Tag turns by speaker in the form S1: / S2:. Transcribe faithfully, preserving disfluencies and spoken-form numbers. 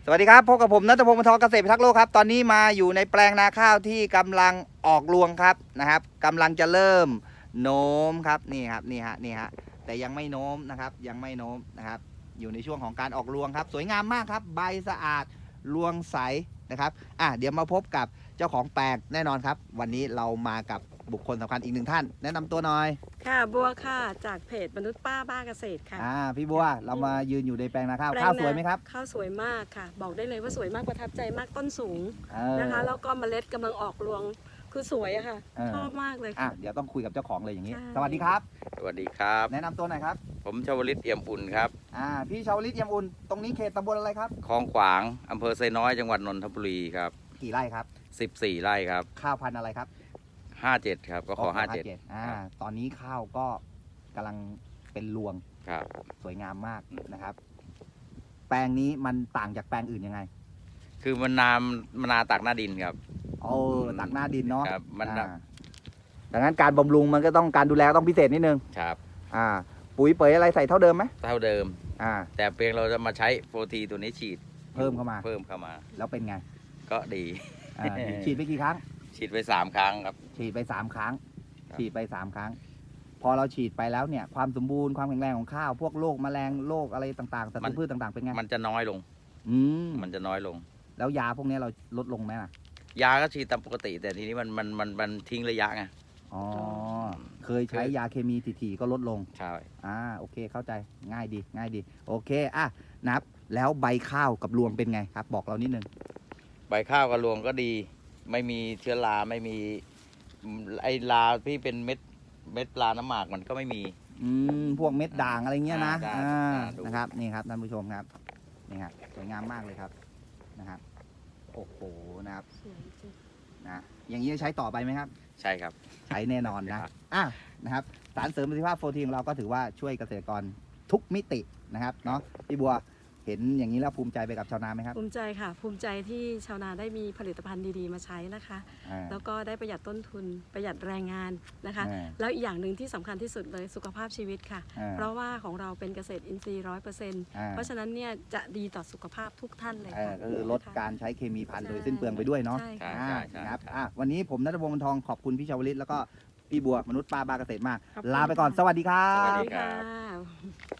S1: สวัสดีครับพบกับผมณัฐพงศ์ มนทองเกษตรพิทักษ์โลกครับตอนนี้มาอยู่ในแปลงนาข้าวที่กำลังออกรวงครับนะครับกำลังจะเริ่มโน้มครับนี่ครับนี่ฮะนี่ฮะแต่ยังไม่โน้มนะครับยังไม่โน้มนะครับอยู่ในช่วงของการออกรวงครับสวยงามมากครับใบสะอาดรวงใสนะครับอ่ะเดี๋ยวมาพบกับเจ้าของแปลงแน่นอนครับวันนี้เรามากับบุคคลสำคัญอีกหนึ่งท่าน แนะนำตัวหน่อย
S2: ค่ะบัวค่ะจากเพจมนุษย์ป้าบ้าเกษตรค่ะ
S1: อ่าพี่บัวเรามายืนอยู่ในแปลงนาข้าว
S2: แปลง
S1: ข้าว
S2: นา
S1: สวยไหมครับ
S2: ข้าวสวยมากค่ะ บอกได้เลยว่าสวยมากประทับใจมากต้นสูง
S1: เออ
S2: นะคะแล้วก็เมล็ดกำลังออกรวงคือสวยอะค่ะ
S1: เออ
S2: ชอบมากเลย
S1: อ่ะ
S2: ค่ะ
S1: เดี๋ยวต้องคุยกับเจ้าของเลยอย่างนี้
S2: ใช่
S1: สวัสดีครับ
S3: สวัสดีครับ
S1: แนะนำตัวหน่อยครับ
S3: ผมชวลิตเอี่ยมอุ่นครับ
S1: อ่าพี่ชาวลิตเยี่ยมอุ่นตรงนี้เขตตำบลอะไรครับ
S3: คลองขวางอำเภอไซน้อยจังหวัดนนทบุรีครับ
S1: กี่ไร่ครับ
S3: สิบสี่ไร่ครับ
S1: ข้าวพันธุ์อะไรครับ
S3: ห้าสิบเจ็ดครับก็ขอห้าสิบเจ็ด
S1: อ่า
S3: ครับ
S1: ตอนนี้ข้าวก็กำลังเป็นรวง
S3: ครับ
S1: สวยงามมากนะครับ แปลงนี้มันต่างจากแปลงอื่นยังไง
S3: คือมันนามมันนาตักหน้าดินครับ
S1: โอ้ตักหน้าดินเนาะ
S3: ครับมัน
S1: อ่าดังนั้นการบำรุงมันก็ต้องการดูแลต้องพิเศษนิดนึง
S3: ครับ
S1: อ่า ปุ๋ยเปยอะไรใส่เท่าเดิมไหม
S3: เท่าเดิม
S1: อ่า
S3: แต่เพียงเราจะมาใช้โฟทีตัวนี้ฉีด
S1: เพิ่มเข้ามา
S3: เพิ่มเข้ามา
S1: แล้วเป็นไง
S3: ก็ดี
S1: อ่าฉีดไปกี่ครั้ง
S3: ฉีดไปสามครั้งครับ
S1: ฉีดไปสามครั้ง
S3: ครับ
S1: ฉีดไปสามครั้ง พอเราฉีดไปแล้วเนี่ย ความสมบูรณ์ความแข็งแรงของข้าว พวกโรคแมลงโรคอะไรต่างๆศัตรูพืชต่างๆเป็นไง
S3: มันจะน้อยลง
S1: อืม
S3: มันจะน้อยลง
S1: แล้วยาพวกนี้เราลดลงไหมล่ะ
S3: ยาก็ฉีดตามปกติ แต่ทีนี้มันมันมันมันทิ้งระยะไง
S1: อ๋อ เคยใช้ยาเคมีถี่ๆก็ลดลง
S3: ใช่
S1: อ่า โอเค เข้าใจ ง่ายดี ง่ายดี โอเค อ่ะ นับ แล้วใบข้าวกับรวงเป็นไงครับ บอกเรานิดนึง
S3: ใบข้าวกระรวงก็ดี ไม่มีเชื้อราไม่มีไอราที่เป็นเม็ดเม็ดปลาน้ำหมากมันก็ไม่มี
S1: อืม พวกเม็ดด่างอะไรเงี้ยนะ
S3: อ่าได้
S1: อ่า
S3: อ่าดู
S1: นะครับ นี่ครับท่านผู้ชมครับ นี่ครับสวยงามมากเลยครับ นะครับ โอ้โห นะครับ
S2: สวยจริง
S1: นะ อย่างนี้จะใช้ต่อไปไหมครับ
S3: ใช่ครับ
S1: ใช้แน่นอนนะ
S3: ครับ
S1: อ่ะนะครับ สารเสริมประสิทธิภาพโฟร์ทีของเราก็ถือว่าช่วยเกษตรกรทุกมิตินะครับ เนาะพี่บัว เห็นอย่างนี้แล้วภูมิใจไปกับชาวนาไหมครับ
S2: ภูมิใจค่ะ ภูมิใจที่ชาวนาได้มีผลิตภัณฑ์ดีๆมาใช้นะคะ
S1: อ่า
S2: แล้วก็ได้ประหยัดต้นทุนประหยัดแรงงานนะคะ
S1: อ่า
S2: แล้วอีกอย่างหนึ่งที่สำคัญที่สุดเลยสุขภาพชีวิตค่ะ
S1: อ่า
S2: เพราะว่าของเราเป็นเกษตรอินทรีย์ร้อยเปอร์เซ็นต์
S1: อ่า
S2: เพราะฉะนั้นเนี่ยจะดีต่อสุขภาพทุกท่านเลย
S1: เออ
S2: ค่ะ
S1: ก็คือลด
S2: นะคะ
S1: การใช้เคมีพันโดย
S2: ใช่
S1: สิ้นเปลืองไปด้วยเนาะ
S2: ใช่
S3: ใช่
S2: ค่ะ
S1: อ่า
S3: ใช่
S1: นะครับ
S3: ครับ
S1: อ่ะวันนี้ผมณัฐพงศ์ มนทอง ขอบคุณพี่ชาวลิตแล้วก็พี่บัวมนุษย์ป้าบาเกษตรมาก
S2: ขอบคุณ
S1: ลาไปก่อน
S2: ค่ะ
S1: สวัสดีครั
S3: สวัส
S1: บ
S3: ดี ครับ
S2: ค่ะ